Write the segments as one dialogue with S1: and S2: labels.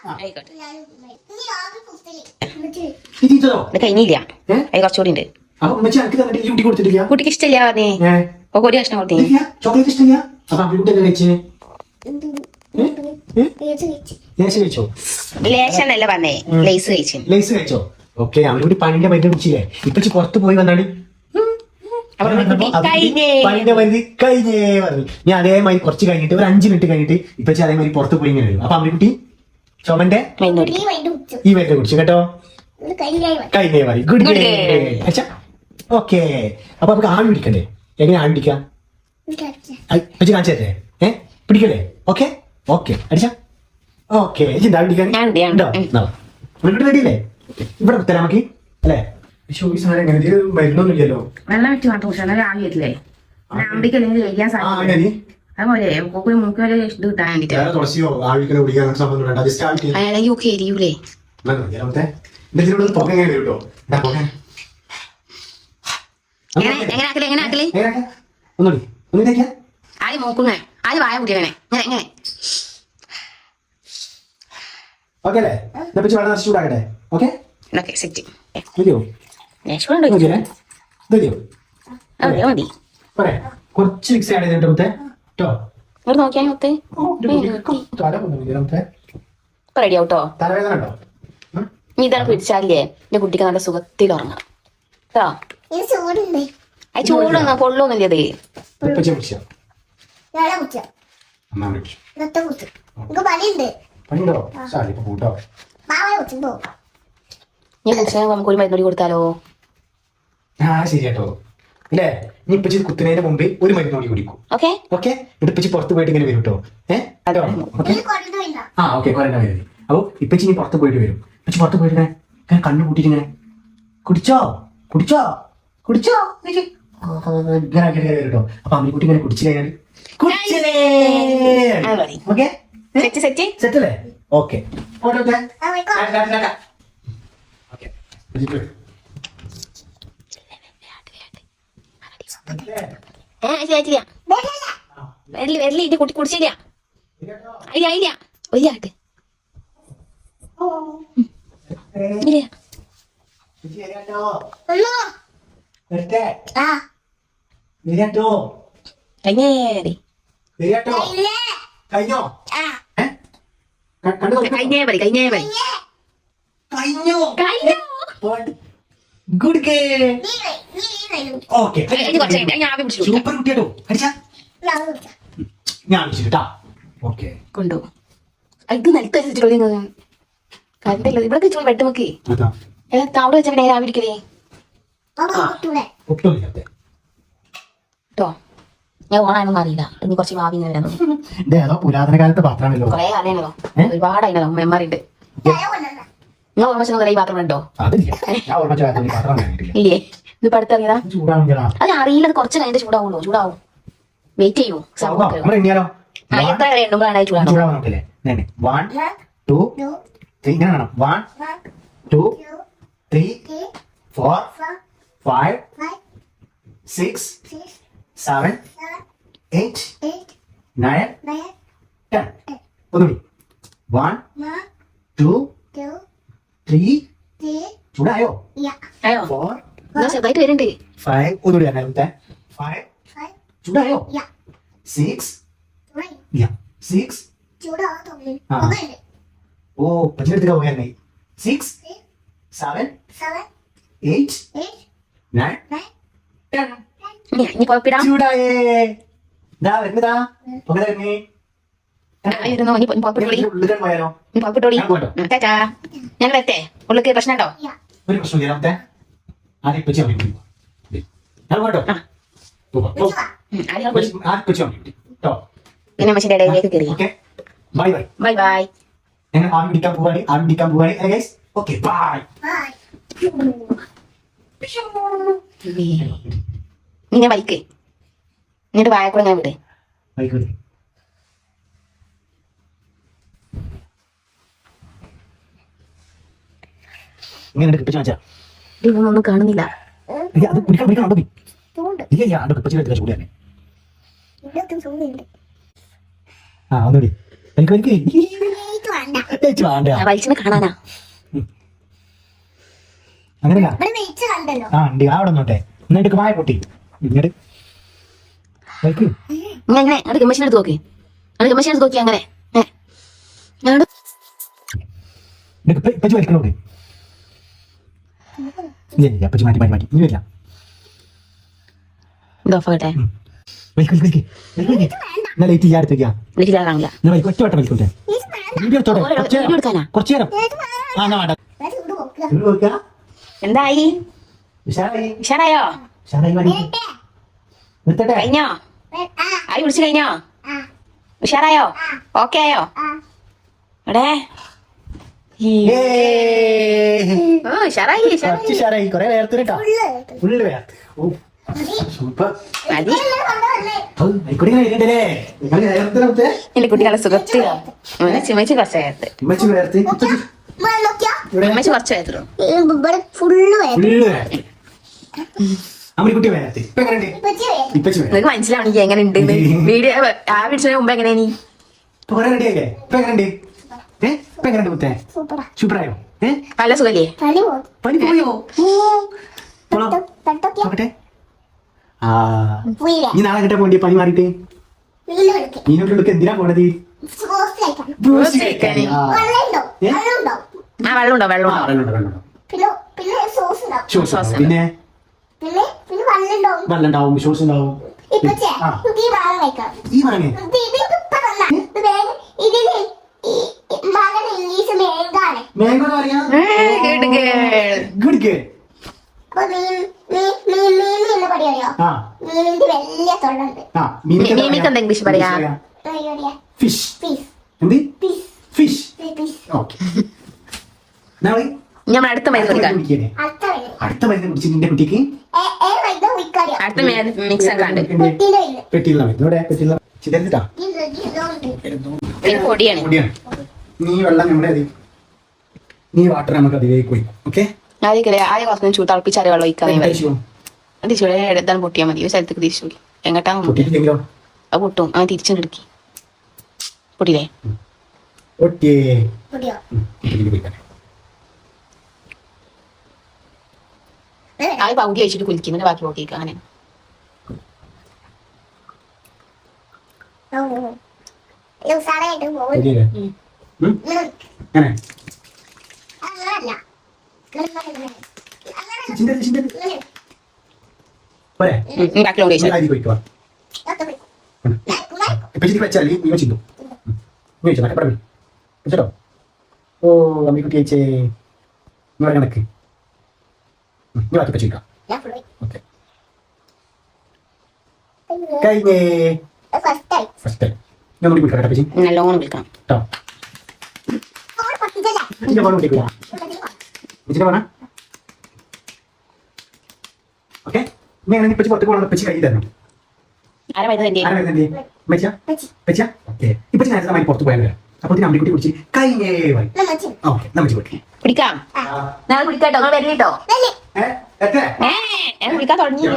S1: ഇത് കഴിഞ്ഞില്ല, അത് കുറച്ചുകൂടി ഉണ്ട്. കുട്ടിക്ക് ഇഷ്ടമില്ല പറഞ്ഞേ, ഒരു കഷ്ണം കൊടുത്തേ. ലേശന്നല്ല പറഞ്ഞേ, ലേസ് കഴിച്ചു.
S2: ഓക്കെ, അവരോട് പണിന്റെ മരുന്ന് കുടിച്ചില്ലേ? ഇപ്പൊ പുറത്ത് പോയി വന്നാണ് പണിന്റെ മരുന്ന് കഴിഞ്ഞേ പറഞ്ഞു. ഞാൻ അതേമാതിരി കുറച്ച് കഴിഞ്ഞിട്ട് ഒരു 5 മിനിറ്റ് കഴിഞ്ഞിട്ട് ഇപ്പൊ അതേമാതിരി പുറത്ത് പോയി ഇങ്ങനെ വരും. അപ്പൊ അമ്മക്കുട്ടി ചുമന്റെ ഈ മരുന്ന് കുടിച്ചു കേട്ടോ. കഴിഞ്ഞേ മതി. Good day. അച്ഛാ ഓക്കെ. അപ്പൊ നമുക്ക് ആവി പിടിക്കണ്ടേ? എങ്ങനെ ആവി പിടിക്കാം? അച്ഛൻ കാണിച്ചു തരേ? പിടിക്കല്ലേ? ഓക്കെ ഓക്കെ അടിച്ച ഓക്കെ. ആവി പിടിക്കാൻ റെഡിയല്ലേ? ഇവിടെ തരാം നമുക്ക് അല്ലേ? മരുന്നൊന്നുമില്ലല്ലോ.
S1: വെള്ളം വെച്ച് മാത്രം ആവി വരില്ലേ? അമ്പിക്കല്ലെങ്കിൽ കഴിക്കാൻ സാധിക്കും. അതുപോലെ മൂക്ക് വരെ ഇത് കിട്ടാൻ വേണ്ടിട്ട് എരിയൂലേ? എങ്ങനെ ആക്കലേ? ആദ്യം മൂക്കുന്നേ, ആദ്യം വായ കുട്ടിയങ്ങനെ എങ്ങനെ.
S2: ഓക്കെ അല്ലേ? ചൂടാക്കട്ടെ. ഓക്കെ
S1: സെറ്റ് മതി.
S2: കുറച്ച് മിക്സ് ആഡ് ചെയ്തിട്ട്
S1: നോക്കിയാ റെഡി ആവട്ടോ.
S2: തലവേദന ഉണ്ടോ?
S1: നീ ഇതാണ് പിടിച്ചാലേ എന്റെ കുട്ടിക്ക് നല്ല സുഖത്തിൽ ഉറങ്ങാം കേട്ടോ. അത് ചൂടൊന്നും പൊള്ളൊന്നുമില്ല. ഞാൻ കുടിച്ചാൽ നമുക്ക് ഒരു മരുന്നോടി കൊടുത്താലോ?
S2: ശരിയാട്ടോ. ഇല്ലേ, നീ ഇപ്പച്ചി കുത്തുന്നതിന് മുമ്പ് ഒരു മരുന്നോടി കുടിക്കും. Okay okay. ഇപ്പച്ചി പുറത്ത് പോയിട്ട് ഇങ്ങനെ വരും കേട്ടോ. ഓക്കെ കൊറേ വരും. അപ്പൊ ഇപ്പച്ചി നീ പുറത്ത് പോയിട്ട് വരും. ഇപ്പച്ചി പുറത്ത് പോയിട്ട് ഇങ്ങനെ കണ്ണു കൂട്ടിട്ട് ഇങ്ങനെ കുടിച്ചോ ഇങ്ങനെ ആക്കി വരും കേട്ടോ. അപ്പൊ അമ്മിക്കുട്ടി ഇങ്ങനെ കുടിച്ചു കഴിഞ്ഞാൽ സെറ്റ് അല്ലേ? ഓക്കെ
S1: വരല് കുട്ടി കുടിച്ചില്ല. ഇല്ല ഒരാട്ട്
S2: ഗുഡ് ഗേ. ഓക്കെ സൂപ്പർ കുട്ടിയാട്ടോ. അടിച്ചാ ഞാൻ വിളിച്ചിട്ടാ. ഓക്കെ
S1: കൊണ്ടോ ഇത് നിലത്ത് വെച്ചിട്ടുള്ള കണ്ടല്ലോ. ഇവിടെ വെച്ചോ ബെഡ് നോക്കി അവിടെ വെച്ചാൽ രാവിലെ ഇരിക്കലേ കേട്ടോ. ഞാൻ ഓണായൊന്നും അറിയില്ല. ഇനി കുറച്ച് ഭാവി വരാൻ
S2: പുരാതന കാലത്തെ പാത്രമല്ലോ.
S1: കൊറേ അറിയാനല്ലോ, ഒരുപാടായില്ലോ മെമ്മറിണ്ട്. നിങ്ങൾ ഓർമ്മ ഈ പാത്രം ഉണ്ടോ? ഇല്ലേ, ഇത് പഠിത്തറിയതാ. അത് അറിയില്ല, കുറച്ച് കഴിഞ്ഞിട്ട് ചൂടാവും. വെയിറ്റ് ചെയ്യൂ. എത്ര എണ്ണുമ്പോഴാണ് ചൂടാവും.
S2: 1 2 3 ഇങ്ങനെ വേണം. 1 2 3 4 5 6 7 8 9 10. ഒന്നുകൂടി 1 2 3 ചൂടായോ? 4
S1: ചെറുതായിട്ട് വരുന്നുണ്ട്.
S2: 5 ഒന്നുകൂടി 5 ചൂടായോ? 6 6 ഓ പച്ചെടുത്തിട്ട് പോയാലേ 6 7 8 9 10 ചൂടായേ. വരുന്നതാ
S1: ഞാൻ വരട്ടെ. ഉള്ളിക്ക് പ്രശ്നം ഉണ്ടോ?
S2: ഒരു പ്രശ്നം
S1: പിന്നെ മനുഷ്യന്റെ ഇടയിലേക്ക് കയറി.
S2: Bye bye
S1: bye bye.
S2: ഞങ്ങൾ ആവി പിടിക്കാൻ പോവാണ്. Okay bye.
S1: നീ ബൈക്ക് എന്നിട്ട് വായക്കൂടെ ഞാൻ വിട്. ഇതൊന്നും കാണുന്നില്ല.
S2: ഒന്നുകൂടി ചേച്ചി വേണ്ട
S1: വലിച്ചിനെ കാണാനാ.
S2: അങ്ങനെയല്ല ആ ഉണ്ട് അവിടെ നോട്ടെ എന്നിട്ട് മായ പൊട്ടി ഇങ്ങോട്ട് വലിക്ക്.
S1: ഇങ്ങനെ അവിടെ ഗമ്മശിനെ എടുത്ത് നോക്കി, അവിടെ ഗമ്മശിനെ എടുത്ത് നോക്കി. അങ്ങനെ
S2: ഇപ്പച്ചി വലിക്കണോട് ഇല്ല അപ്പച്ചി മാറ്റി മാറ്റി മാറ്റി ഇനി വരില്ല.
S1: ഇതോഫാകട്ടെ.
S2: എന്നാ ലൈറ്റ് ചെയ്യാൻ അടുത്തേക്കാ
S1: എനിക്ക് കാണില്ല.
S2: ഒറ്റ വട്ടം വലിക്കോട്ടെ
S1: എടുക്കാനാ.
S2: കുറച്ചു നേരം ആ എന്നാ വേണ്ട
S1: എന്തായി?
S2: ഉഷാറായി
S1: ഉഷാറായോ?
S2: ഉഷാറായി മതി നിർത്തട്ടെ
S1: കഴിഞ്ഞോ? ആയി വിളിച്ചു കഴിഞ്ഞോ? ഉഷാറായോ? ഓക്കെ ആയോ? എടേ ഉഷാറായി.
S2: കുറച്ച് ഉഷാറായി കുറെ വേർത്ത് കേട്ടോ ഫുള്ള് വേർത്ത് സൂപ്പർ
S1: മതി.
S2: ആയിക്കോട്ടെ വരുന്നുണ്ടല്ലേ നിങ്ങൾ വേർത്ത്
S1: എന്റെ കുട്ടികളെ സുഖത്ത് ചിമ്മച്ച് കുറച്ച് നേരത്ത്
S2: ഉമ്മച്ചി വേർത്ത്
S1: ചിമ്മച്ച് കുറച്ച് നേരത്തുള്ളൂ.
S2: ഫുള്ള് വേർത്ത് അമ്മക്കുട്ടി വേർത്ത് ഇപ്പൊ എങ്ങനെയുണ്ട് ഇപ്പച്ചി വേർത്ത്
S1: നിനക്ക് മനസ്സിലാവണെങ്കിൽ എങ്ങനെ ഉണ്ട് വീഡിയോ ആ വീഡിയോന് മുമ്പ് എങ്ങനെയാ നീ
S2: ഇപ്പൊ കുറെ റെഡിയായില്ലേ ഇപ്പൊ എങ്ങനെയുണ്ട് ഇപ്പൊ എങ്ങനെയുണ്ട് മുത്തേ സൂപ്പറായോ
S1: നല്ല സുഖല്ലേ?
S2: പനി പോയോ നോക്കട്ടെ ആ നീ നാളെ കിട്ടാ പോണ്ടി പനി മാറിയിട്ട് നീനോട്ട് എന്തിനാ പോണത്
S1: ആ വെള്ളം ഉണ്ടോ? വെള്ളം
S2: പിന്നെ വെള്ളം ഉണ്ടാവും ഷോസ് ഉണ്ടാവും ഈ മാങ്ങ മാംഗോ അറിയാം ഗുഡ് ഗേൾ
S1: മീമിക്ക് എന്താ ഇംഗ്ലീഷ് പറയാ?
S2: ഫിഷ് എന്ത് ഫിഷ് ഓക്കെ
S1: ഞാൻ അടുത്ത മരുന്ന് കുടിക്കാം.
S2: അടുത്ത മരുന്ന് കുടിച്ച് നിന്റെ കുട്ടിക്ക്
S1: അടുത്ത മിക്സ് ആക്കാണ്ട്
S2: പെട്ടിയുള്ള മരുന്ന് പെട്ടിയുള്ള ചിതറിട്ടാ
S1: പൊടിയാണ്.
S2: നീ വെള്ളം നമ്മുടെ നീ വാട്ടർ നമുക്ക് അതിലേക്ക് പോയി ഓക്കെ
S1: ആദ്യം കുറച്ച് ചൂട് തിളപ്പിച്ചാൽ വെള്ളം ഒഴിക്കാൻ തിരിച്ചു എടുത്താൽ പൊട്ടിയാൽ മതി. ഒരു സ്ഥലത്തേക്ക് തിരിച്ചു എങ്ങട്ടാ അത് പൊട്ടും. അവൻ തിരിച്ചും കിടക്കി പൊട്ടിയില്ലേ? ആദ്യം പകുതി വെച്ചിട്ട് കുലിക്കുന്നുണ്ട്, ബാക്കി പൊട്ടിയിരിക്കുക. അങ്ങനെ
S2: വെച്ചാൽ നീ വെച്ചിട്ടു വെച്ചോ ഓ അമ്മിക്കുട്ടി അയച്ചേ നിങ്ങളെ കണക്ക് നീ ബാക്കി വെച്ചിരിക്കാം ഓക്കെ കഴിഞ്ഞേ ഫസ്റ്റ് ടൈം ഞാൻ മുടി കുടിക്കാം കേട്ടോ ചേച്ചി
S1: നല്ലോണം വിളിക്കണം
S2: കേട്ടോ ചേച്ചിന്റെ ഫോൺ കുടിക്കുക ചേച്ചിന്റെ ഫോണാ ഓക്കെ നീ അങ്ങനെ ഇപ്പച്ചി പുറത്തേക്ക് പോകണം ഇപ്പച്ചി കൈ തരണം
S1: ആരാ വരുന്നത്?
S2: ഇപ്പച്ചി നേരത്തെ നമ്മൾ പുറത്ത് പോയാൽ അപ്പൊ അമ്മിക്കുട്ടി കുടിച്ച് കഴിഞ്ഞേ ഓക്കെ നമ്മച്ചി കുട്ടി
S1: കുടിക്കാം. ഞാൻ കുടിക്കാട്ടോ, നിങ്ങൾ വരിട്ടോ. ഞാൻ കുടിക്കാൻ തുടങ്ങിയില്ല.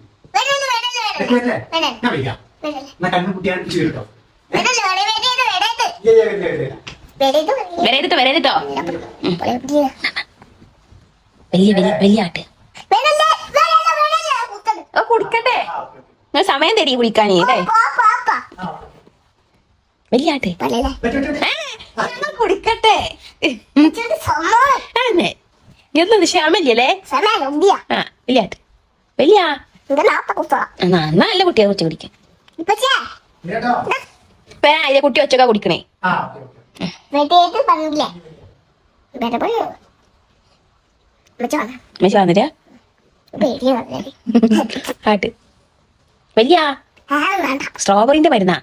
S1: വരരുട്ടോ വരരുട്ടോ. വലിയ ആട്ട് കുടിക്കട്ടെ. നിങ്ങൾ സമയം തരീ കുടിക്കാനേ. വലിയ ആട്ട് കുടിക്കട്ടെ. എന്തുണ്ട് ക്ഷമല്ലേ? ആ വലിയ ആട്ട് വലിയ നല്ല കുട്ടിയെ കൊച്ചു കുടിക്കാൻ. അതിലെ കുട്ടി ഒച്ചക്ക കുടിക്കണേ. വന്നില്ല ആട്ട് വലിയ സ്ട്രോബെറിന്റെ മരുന്നാ.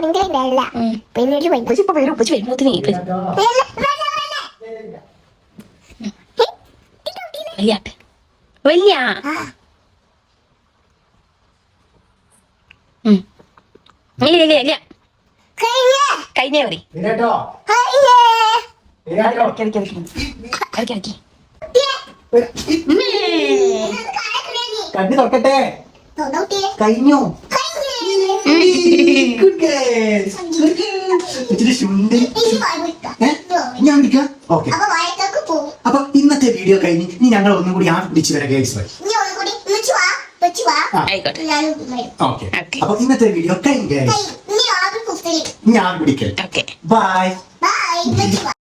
S1: വലിയാട്ട് വലിയ കഴിഞ്ഞേ പറ
S2: കണ്ണി തുറക്കട്ടെ കഴിഞ്ഞു ഇച്ചിരി ശുണ്ടി ഞാൻ വിളിക്കാം. ഓക്കെ, അപ്പൊ ഇന്നത്തെ വീഡിയോ കഴിഞ്ഞ് ഇനി ഞങ്ങൾ ഒന്നും കൂടി ആ പിടിച്ചു വരാം ഗൈസ്.
S1: ആയിക്കോട്ടെ.
S2: ഓക്കെ, അപ്പൊ ഇന്നത്തെ വീഡിയോ കഴിഞ്ഞു ഗൈസ്. ഞാൻ പിടിക്കൽ.
S1: Okay,
S2: by.